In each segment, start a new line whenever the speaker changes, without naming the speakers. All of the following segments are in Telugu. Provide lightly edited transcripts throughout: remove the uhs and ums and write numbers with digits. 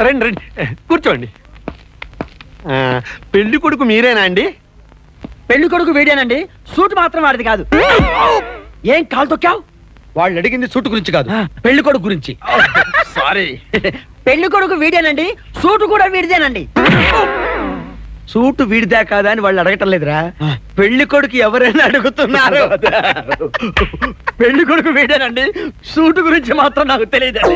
రండి రండి కూర్చోండి. పెళ్లి కొడుకు మీరేనా అండి?
పెళ్లి కొడుకు వీడేనండి, సూట్ మాత్రం వాడిది కాదు. ఏం కాలు తొక్కావు?
వాళ్ళు అడిగింది సూట్ గురించి కాదు, పెళ్లి కొడుకు గురించి.
సారీ. పెళ్లి కొడుకు వీడేనండి, సూటు కూడా వీడిదేనండి.
సూటు వీడిదా కాదా అని వాళ్ళు అడగటం లేదురా, పెళ్లి కొడుకు ఎవరైనా అడుగుతున్నారు.
పెళ్లి కొడుకు వీడేనండి, సూటు గురించి మాత్రం నాకు తెలియదండి.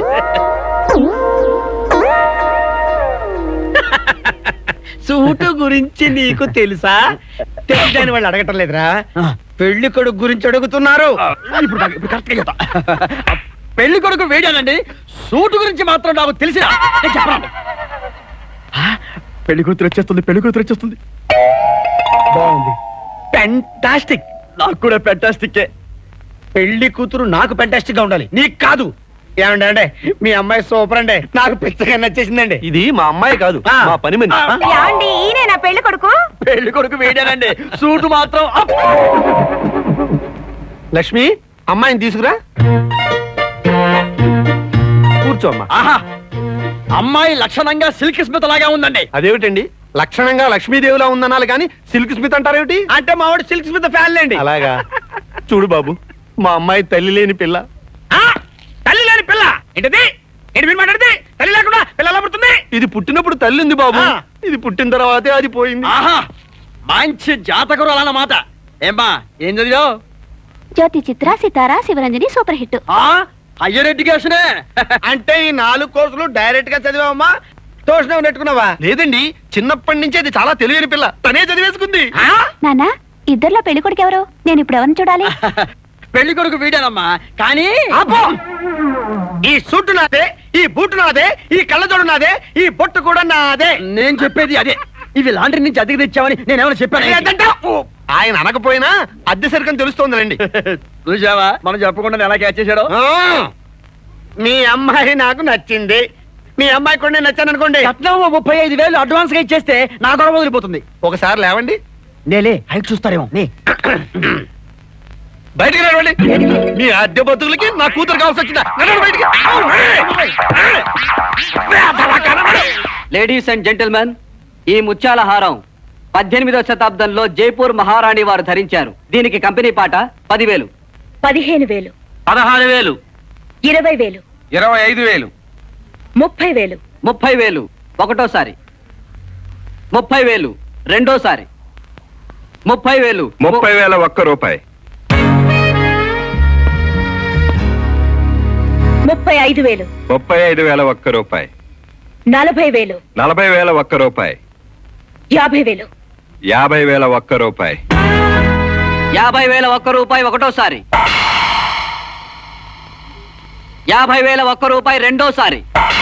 సూటు గురించి నీకు తెలుసా? తెలియదని వాళ్ళు అడగటం లేదురా, పెళ్లి కొడుకు గురించి అడుగుతున్నారు.
ఇప్పుడు కరెక్ట్ గా చెప్తా. పెళ్లి కొడుకు వీడేనండి, సూటు గురించి మాత్రం నాకు తెలిసిన చెప్పండి. పెళ్లి కూతురు వచ్చేస్తుంది, పెళ్లి కూతురు వచ్చేస్తుంది.
బాగుంది, ఫెంటాస్టిక్.
నాకు కూడా ఫెంటాస్టిక్.
పెళ్లి కూతురు నాకు ఫెంటాస్టిక్ గా ఉండాలి, నీకు కాదు. ఏమండి అంటే మీ అమ్మాయి సూపర్ అండి, నాకు పిచ్చగా నచ్చేసిందండి.
ఇది మా అమ్మాయి కాదు, మా పని మనిషి.
ఏమండి, ఈయన నా పెళ్లి కొడుకు?
పెళ్లి కొడుకు వీడేనండి, సూటు మాత్రం
లక్ష్మి, అమ్మాయిని తీసుకురా. కూర్చో అమ్మా.
ఆహా, అమ్మాయి లక్షణంగా సిల్క్ స్మిత్ లాగా ఉందండి.
అదేమిటండి, లక్షణంగా లక్ష్మీదేవిలా ఉందనాలి కానీ సిల్క్ స్మిత్ అంటారేమిటి?
అంటే మా వాడు సిల్క్ స్మిత్ ఫ్యాన్ లేండి.
అలాగా? చూడు బాబు, మా అమ్మాయి తల్లి లేని పిల్ల.
తల్లి లేని పిల్ల ఏంటిది? ఏంటి మీరు మాట్లాడితే? తల్లి లేకుండా పిల్ల ఎలా పుడుతుంది?
ఇది పుట్టినప్పుడు తల్లి ఉంది బాబు, ఇది పుట్టిన తర్వాతే అది పోయింది.
ఆహా, మంచి జాతకురు అన్నమాట. ఏమ్మా, ఏం చదివావు?
Jyothi Chitra, Sitara, Sivaranjani super hit.
Higher ఎడ్యుకేషనే.
అంటే ఈ 4 కోర్సులు డైరెక్ట్ గా చదివావమ్మా, తోషణం నెట్టుకున్నావా?
లేదండి, చిన్నప్పటి నుంచి అది చాలా తెలియని పిల్ల, తనే చదివేసుకుంది.
నానా, ఇద్దర్లో పెళ్లి కొడుకు ఎవరు? నేను ఇప్పుడు ఎవరిని చూడాలి?
పెళ్లి కొడుకు వీడానమ్మా, కానీ
ఈ సూటు నాదే, ఈ బూటు నాదే, ఈ కళ్ళజోడు నాదే, ఈ బొట్టు కూడా నాదే.
నేను చెప్పేది అదే. ఇవి లాండ్రీ నుంచి అద్దెకి తెచ్చావని నేనేమైనా చెప్పాను?
ఆయన అనకపోయినా అద్దె సరికని తెలుస్తోందండి.
చూసావా, మనం చెప్పకుండా ఎలా క్యాచ్ చేశాడో.
మీ అమ్మాయి నాకు నచ్చింది, మీ అమ్మాయి కూడా నేను నచ్చాను అనుకోండి.
కట్నం 35,000 అడ్వాన్స్ గా ఇచ్చేస్తే నా గొడవ వదిలిపోతుంది.
ఒకసారి లేవండి.
నేలే, హైట్ చూస్తారేమో.
బయటికి నడవండి. మీ అద్దె బతుకులకి నా కూతురు కావాల్సి వచ్చిందా? నడవండి బయటికి.
లేడీస్ అండ్ జెంటిల్మెన్, ఈ ముత్యాల హారం 18వ శతాబ్దంలో జైపూర్ మహారాణి వారు ధరించారు. దీనికి కంపెనీ పాట 10,000,
15,000,
16,000,
20,000,
25,000,
30,000,
30,000 ఒకటోసారి, 30,000 రెండోసారి, 30,000,
30,000 ఒక్క రూపాయి,
35,000,
35,000 ఒక్క రూపాయి,
40,000,
40,000 ఒక్క రూపాయి,
50,000,
50,000 ఒక్క రూపాయి,
50,000 ఒక్క రూపాయి ఒకటోసారి, 50,000 ఒక్క రూపాయి రెండోసారి,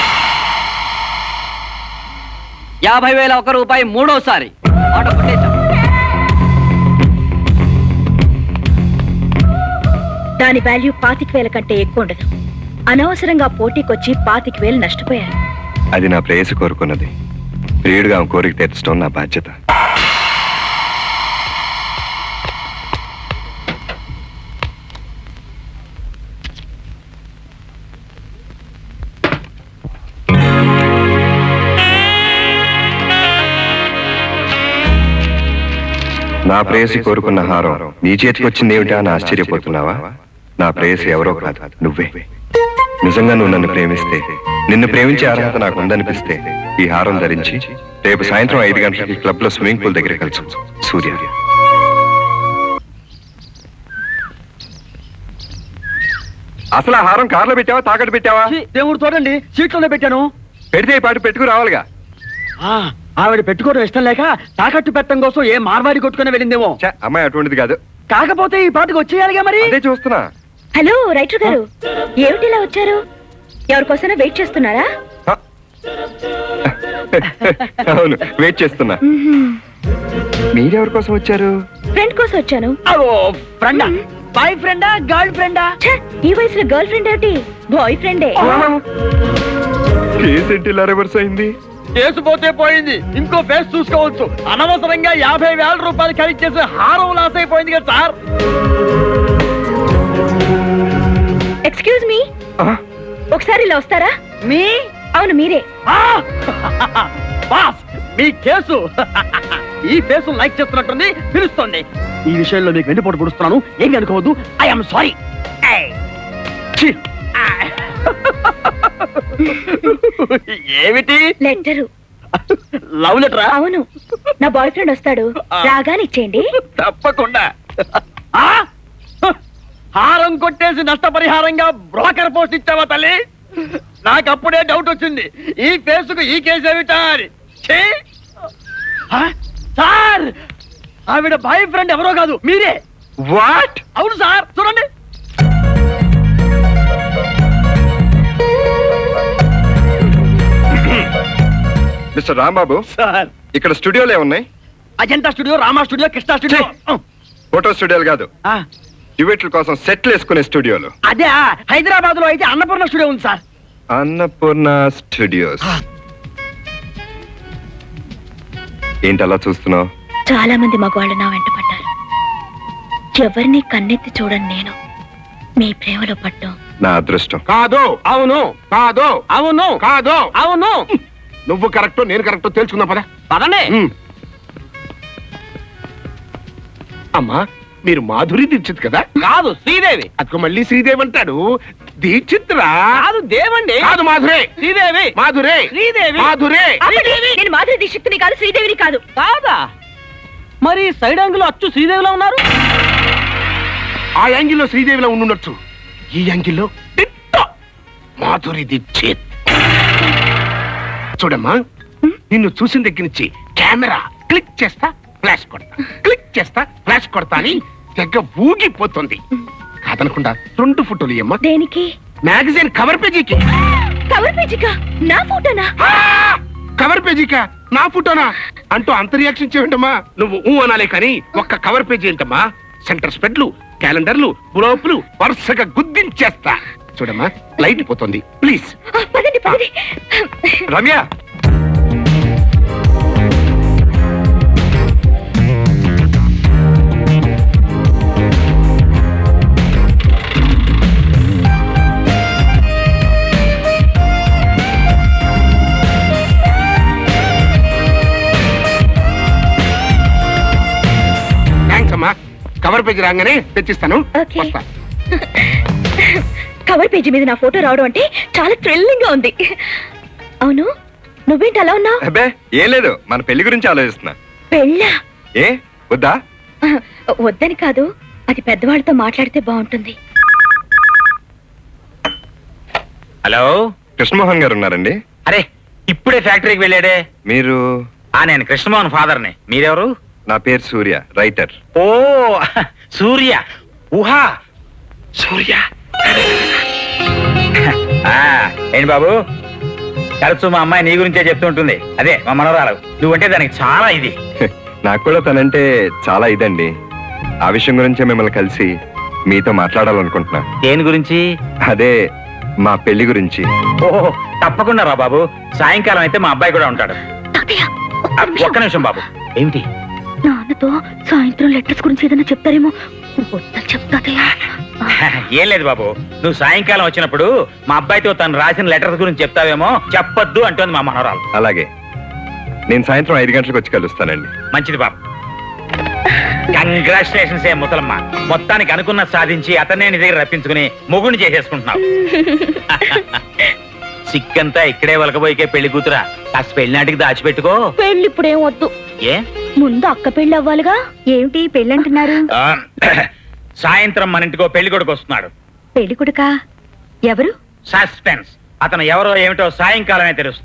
50,000 ఒక్క రూపాయి మూడోసారి. ఆటో కొట్టేశాం.
దాని వాల్యూ 25,000 కంటే ఎక్కువ ఉండదు. అనవసరంగా పోటీకొచ్చి 25,000 నష్టపోయారు.
అది నా ప్రేయసి కోరుకున్నది, ప్రియుడిగా ఆమె కోరిక తీర్చడం నా బాధ్యత. నా ప్రేయసి కోరుకున్న హారం నీ చేతికి వచ్చింది ఏమిటా అని ఆశ్చర్యపోతున్నావా? నా ప్రేయసి ఎవరో కాదు, నువ్వే. నిజంగా నువ్వు నన్ను ప్రేమిస్తే, నిన్ను ప్రేమించే అర్హత నాకు ఉందనిపిస్తే ఈ హారం ధరించి రేపు సాయంత్రం 5 గంటలకి క్లబ్ లో స్విమ్మింగ్ పూల్ దగ్గర కలుసు. సూర్య. అసలు ఆ హారం కార్లో పెట్టావా, తాకట్టు పెట్టావా?
దేవుడు చూడండి, సీట్లోనే పెట్టాను.
పెడితే ఈ పాటు పెట్టుకు రావాలిగా.
ఆవిడ పెట్టుకోవడం ఇష్టం లేక తాకట్టు పెట్టడం కోసం ఏ మార్వాడి కొట్టుకుని వెళ్ళిందేమో.
అమ్మాయి అటువంటిది కాదు.
కాకపోతే ఈ పాటకు వచ్చేయాలిగా మరి.
అదే చూస్తున్నా.
హలో రైటర్ గారు, ఏమిటి ఇలా వచ్చారు? ఎవరికోసమైనా వెయిట్ చేస్తున్నారా?
అవును, వెయిట్ చేస్తున్నా. మీరెవరి కోసం వచ్చారు?
ఫ్రెండ్ కోసం వచ్చాను.
ఫ్రెండా? బాయ్ ఫ్రెండా, గర్ల్ ఫ్రెండా?
ఈ వయసులో గర్ల్ ఫ్రెండ్ ఏమిటి, బాయ్ ఫ్రెండే.
కేసు ఏంటి ఇలా రివర్స్ అయింది?
కేసు పోతే పోయింది, ఇంకో ఫేస్ చూసుకోవచ్చు. అనవసరంగా 50,000 రూపాయలు ఖరీదు చేసి హారం లాస్ అయిపోయింది కదా సార్.
ఎక్స్క్యూజ్ మీ, ఒకసారి ఇలా వస్తారా?
మీ
అవును మీరే.
ఆ! బాస్ మీ కేసు ఈ ఫేసు లైక్ చేస్తున్నట్టుంది పిలుస్తుంది. ఈ విషయంలో మీకు వెండిపోటు పొడుస్తున్నాను, ఏమి అనుకోవద్దు. I'm sorry. ఏమిటి
లెటరు.
లవ్ లెటరా?
అవును, నా బాయ్ ఫ్రెండ్ వస్తాడు, రాగానే ఇచ్చేయండి.
తప్పకుండా. ఆ? హారం కొట్టేసి నష్టపరిహారంగా బ్రోకర్ పోస్ట్ ఇచ్చావా తల్లి? నాకు అప్పుడే డౌట్ వచ్చింది, ఈ ఫేసుకు ఈ కేసు ఏమిటా అని. ఛీ! ఆ? సార్, ఆవిడ బాయ్ ఫ్రెండ్ ఎవరో కాదు, మీరే.
వాట్?
అవును సార్, చూడండి.
మిస్టర్ రాంబాబు,
సార్,
ఇక్కడ స్టూడియోలు ఏమున్నాయి?
Ajanta studio, Rama studio, Krishna studio.
Photo స్టూడియోలు కాదు,
ఆ,
డ్యూయెట్ల కోసం సెట్లు వేసుకునే స్టూడియోలు.
అదే హైదరాబాద్ లో అయితే అన్నపూర్ణ స్టూడియో ఉంది సార్.
అన్నపూర్ణ స్టూడియోస్. ఏంటి అలా చూస్తున్నావు?
చాలా మంది మగవాళ్ళు నా వెంట పడ్డారు. ఎవరిని కన్నెత్తి చూడని నేను మీ ప్రేమలో పడ్డాం.
నా అదృష్టం.
కాదు,
అవును,
కాదు,
అవును,
కాదు.
అవును.
నువ్వు కరెక్ట్, నేను కరెక్ట్ తెలుసుకుందాం పదా.
పదండి.
అమ్మా, మీరు మాధురి దీక్షిత్ కదా?
కాదు, శ్రీదేవి.
అక్క మళ్ళీ శ్రీదేవి అంటాడు. దీక్షిత్ రా.
కాదు, దేవండి.
కాదు, మాధురే.
శ్రీదేవి.
మాధురే.
శ్రీదేవి.
మాధురే.
ఆపండి, నేను మాధురి దీక్షిత్తుని కాదు, శ్రీదేవిని కాదు.
కాదా? మరి సైడ్ యాంగిల్ అచ్చు శ్రీదేవిలో ఉన్నారు.
ఆ యాంగిల్లో శ్రీదేవిలో ఉండుండొచ్చు, ఈ యాంగిల్లో దిట్ట మాధురి దీక్షిత్. చూడమ్మా, నిన్ను చూసిన దగ్గర నుంచి కెమెరా క్లిక్ చేస్తా ఫ్లాష్ కొడతా, క్లిక్ చేస్తా ఫ్లాష్ కొడతా అని తెగ ఊగిపోతుంది. కాదనకుండా 2 ఫోటోలు ఇయ్యమ్మా.
దేనికి?
మ్యాగజైన్ కవర్ పేజీకి.
కవర్ పేజీకా? నా ఫోటోనా?
ఆ! కవర్ పేజీకా? నా ఫోటోనా అంటూ అంత రియాక్షన్ చేయంటమ్మా. నువ్వు ఊ అనాలే కానీ ఒక్క కవర్ పేజీ ఏంటమ్మా? సెంటర్ స్పెడ్లు, క్యాలెండర్లు, గ్లోపులు వరుసగా గుద్దించేస్తా. చూడమ్మా, లైట్ పోతుంది, ప్లీజ్.
పదండి పదండి.
రమ్య,
థ్యాంక్స్ అమ్మా. కవర్ పేజీ రాగానే తెచ్చిస్తాను.
ఓకే.
వస్తా.
కవర్ పేజీ మీద నా ఫోటో రావడం అంటే చాలా థ్రిల్లింగ్ గా ఉంది. అవును, నువ్వేంటి అలా ఉన్నావు?
అబ్బే ఏం లేదు, మన పెళ్లి గురించి ఆలోచిస్తున్నా.
పెళ్ళా?
ఏ వద్దా?
వద్దని కాదు, అది పెద్దవాళ్ళతో మాట్లాడితే బాగుంటుంది.
హలో,
కృష్ణమోహన్ గారు ఉన్నారండి?
అరే ఇప్పుడే ఫ్యాక్టరీకి వెళ్ళాడే.
మీరు?
నేను కృష్ణమోహన్ ఫాదర్ని. మీరెవరు?
నా పేరు సూర్య, రైటర్.
ఓ సూర్య. ఊహా సూర్య. ఏంటి బాబు, తరచు మా అమ్మాయి నీ గురించే చెప్తూ ఉంటుంది. అదే మా మనవరాలు. నువ్వంటే దానికి చాలా ఇది.
నాకు కూడా తనంటే చాలా ఇదండి. ఆ విషయం గురించే మిమ్మల్ని కలిసి మీతో మాట్లాడాలనుకుంటున్నా.
దేని గురించి?
అదే మా పెళ్లి గురించి.
ఓహో తప్పకుండా రా బాబు. సాయంకాలం అయితే మా అబ్బాయి కూడా ఉంటాడు.
తాతయ్య,
ఒక్క నిమిషం బాబు. ఏమిటి?
నాన్నతో సాయంత్రం లెటర్స్ గురించి ఏదైనా చెప్తారేమో. వద్దని చెప్తాతయ్య.
ఏం లేదు బాబు, నువ్వు సాయంకాలం వచ్చినప్పుడు మా అబ్బాయితో తను రాసిన లెటర్స్ గురించి చెప్తావేమో. చెప్పొద్దు అంటోంది మా మనవరాలు.
అలాగే, నేను సాయంత్రం 5 గంటలకు వచ్చి కలుస్తానండి.
మంచిది బాబు. కంగ్రాచులేషన్స్ ఏ ముసలమ్మ, మొత్తానికి అనుకున్న సాధించి అతనే నీ దగ్గర రప్పించుకుని మొగుడిని చేసేసుకుంటున్నావు. సిక్కంతా ఇక్కడే వలకబోయికే పెళ్లి కూతురా. కాస్త పెళ్లినాటికి దాచిపెట్టుకో.
పెళ్ళి ఇప్పుడేం వద్దు,
ఏ
ముందు అక్క పెళ్ళి అవ్వాలిగా. ఏమిటి పెళ్ళి అంటున్నారు?
సాయంత్రం మన ఇంటికో పెళ్లి కొడుకు వస్తున్నాడు.
పెళ్లి కొడుకా? ఎవరు?
సస్పెన్స్. అతను ఎవరో ఏమిటో సాయంకాలమే తెలుస్తుంది.